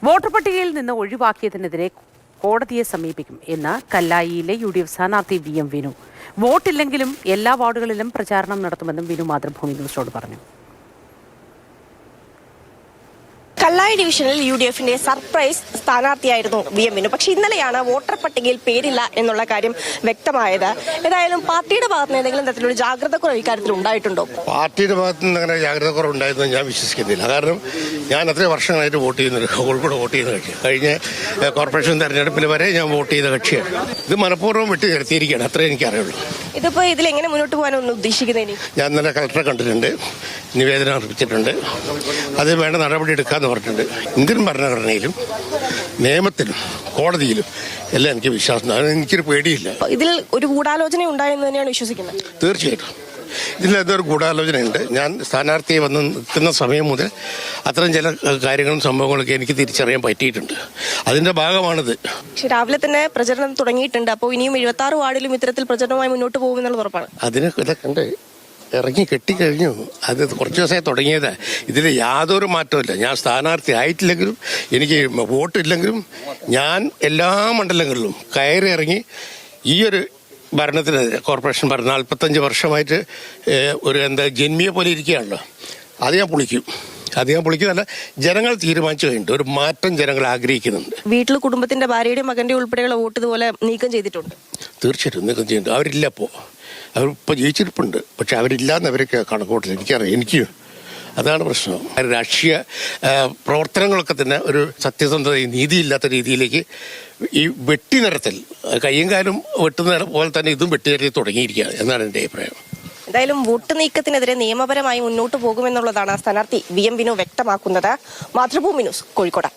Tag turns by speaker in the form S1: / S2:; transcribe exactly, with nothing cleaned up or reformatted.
S1: Voter പട്ടികയിൽ നിന്ന് ഒഴിവാക്കിയതിനെതിരെ കോടതിയെ സമീപിക്കും എന്ന് കല്ലായിയിലെ യു ഡി എഫ് സ്ഥാനാർത്ഥി വി എം വിനു. വോട്ടില്ലെങ്കിലും എല്ലാ വാർഡുകളിലും പ്രചാരണം നടത്തുമെന്നും വിനു മാതൃഭൂമി ന്യൂസിനോട് പറഞ്ഞു.
S2: കല്ലായി ഡിവിഷനിൽ യു ഡി എഫിന്റെ സർപ്രൈസ് സ്ഥാനാർത്ഥിയായിരുന്നു വി എം വിനു. പക്ഷെ ഇന്നലെയാണ് വോട്ടർ പട്ടികയിൽ പേരില്ല എന്നുള്ള കാര്യം വ്യക്തമായത്. ഏതായാലും പാർട്ടിയുടെ ഭാഗത്ത് നിന്ന് ഏതെങ്കിലും തരത്തിലുള്ള ജാഗ്രത കുറവ് ഇക്കാര്യത്തിൽ ഉണ്ടായിട്ടുണ്ടോ?
S3: പാർട്ടിയുടെ ഭാഗത്ത് നിന്ന് അങ്ങനെ ജാഗ്രത കുറവ് ഉണ്ടായതെന്ന് ഞാൻ വിശ്വസിക്കുന്നില്ല. കാരണം ഞാൻ അത്രയും വർഷങ്ങളായിട്ട് വോട്ട് ചെയ്യുന്നത് കോഴിക്കോട് വോട്ട് ചെയ്യുന്ന കക്ഷിയാണ്. കഴിഞ്ഞ കോർപ്പറേഷൻ തെരഞ്ഞെടുപ്പിൽ വരെ ഞാൻ വോട്ട് ചെയ്ത കക്ഷിയാണ്. ഇത് മനഃപൂർവ്വം വെട്ടി നിർത്തിയിരിക്കുകയാണ്. അത്രേ എനിക്കറിയുള്ളൂ.
S2: ഇതിപ്പോ ഇതിൽ എങ്ങനെ മുന്നോട്ട് പോകാനൊന്നും ഉദ്ദേശിക്കുന്നതിന്
S3: ഞാൻ ഇന്നലെ കളക്ടറെ കണ്ടിട്ടുണ്ട്, നിവേദനം അർപ്പിച്ചിട്ടുണ്ട്. അത് വേണ്ട നടപടി എടുക്കാന്ന് പറഞ്ഞിട്ടുണ്ട്. ഇന്ത്യൻ ഭരണഘടനയിലും നിയമത്തിലും കോടതിയിലും എല്ലാം എനിക്ക് വിശ്വാസം. എനിക്കൊരു പേടിയില്ല.
S2: ഇതിൽ ഒരു ഗൂഢാലോചന ഉണ്ടായെന്ന് തന്നെയാണ് വിശ്വസിക്കുന്നത്.
S3: തീർച്ചയായിട്ടും ഇതിലെന്തൊരു ഗൂഢാലോചനയുണ്ട്. ഞാൻ സ്ഥാനാർത്ഥിയെ വന്ന് നിൽക്കുന്ന സമയം മുതൽ അത്തരം ചില കാര്യങ്ങളും സംഭവങ്ങളൊക്കെ എനിക്ക് തിരിച്ചറിയാൻ പറ്റിയിട്ടുണ്ട്. അതിന്റെ ഭാഗമാണിത്.
S2: പക്ഷെ രാവിലെ തന്നെ പ്രചരണം തുടങ്ങിയിട്ടുണ്ട്. അപ്പോൾ ഇനിയും എഴുപത്തി ആറ് വാർഡിലും ഇത്തരത്തിൽ പ്രചരണവുമായി മുന്നോട്ട് പോകുമെന്നുള്ള ഉറപ്പാണ്.
S3: അതിന് ഇതൊക്കെ ഉണ്ട്, ഇറങ്ങി കെട്ടിക്കഴിഞ്ഞു. അത് കുറച്ച് ദിവസമായി തുടങ്ങിയത്. ഇതിൽ യാതൊരു മാറ്റമില്ല. ഞാൻ സ്ഥാനാർത്ഥി ആയിട്ടില്ലെങ്കിലും എനിക്ക് വോട്ടില്ലെങ്കിലും ഞാൻ എല്ലാ മണ്ഡലങ്ങളിലും കയറി ഇറങ്ങി ഈ ഒരു ഭരണത്തിനെതിരെ, കോർപ്പറേഷൻ ഭരണം നാൽപ്പത്തഞ്ച് വർഷമായിട്ട് ഒരു എന്താ ജന്മിയെ പോലെ ഇരിക്കുകയാണല്ലോ, അത് ഞാൻ പൊളിക്കും. അത് ഞാൻ പൊളിക്കുന്നതല്ല, ജനങ്ങൾ തീരുമാനിച്ചു കഴിഞ്ഞിട്ട് ഒരു മാറ്റം ജനങ്ങൾ ആഗ്രഹിക്കുന്നുണ്ട്.
S2: വീട്ടിൽ കുടുംബത്തിന്റെ ഭാര്യയുടെയും മകന്റെ ഉൾപ്പെടെയുള്ള വോട്ട് ഇതുപോലെ നീക്കം ചെയ്തിട്ടുണ്ട്.
S3: തീർച്ചയായിട്ടും നീക്കം ചെയ്യുന്നുണ്ട്. അവരില്ല ഇപ്പോൾ, അവരിപ്പോൾ ജയിച്ചിരിപ്പുണ്ട്. പക്ഷെ അവരില്ലാന്ന് അവരൊക്കെ കണക്കൂട്ടില്ല. എനിക്കറിയാം, എനിക്ക് അതാണ് പ്രശ്നം. രാഷ്ട്രീയ പ്രവർത്തനങ്ങളൊക്കെ തന്നെ ഒരു സത്യസന്ധതയും നീതിയില്ലാത്ത രീതിയിലേക്ക് ഈ വെട്ടി നിരത്തൽ, കയ്യും കാലും വെട്ടുന്ന പോലെ തന്നെ ഇതും വെട്ടി നിരത്തി തുടങ്ങിയിരിക്കുകയാണ് എന്നാണ് എൻ്റെ അഭിപ്രായം.
S2: എന്തായാലും വോട്ട് നീക്കത്തിനെതിരെ നിയമപരമായി മുന്നോട്ട് പോകുമെന്നുള്ളതാണ് സ്ഥാനാർത്ഥി വി എം വിനു വ്യക്തമാക്കുന്നത്. മാതൃഭൂമി ന്യൂസ്, കോഴിക്കോട്.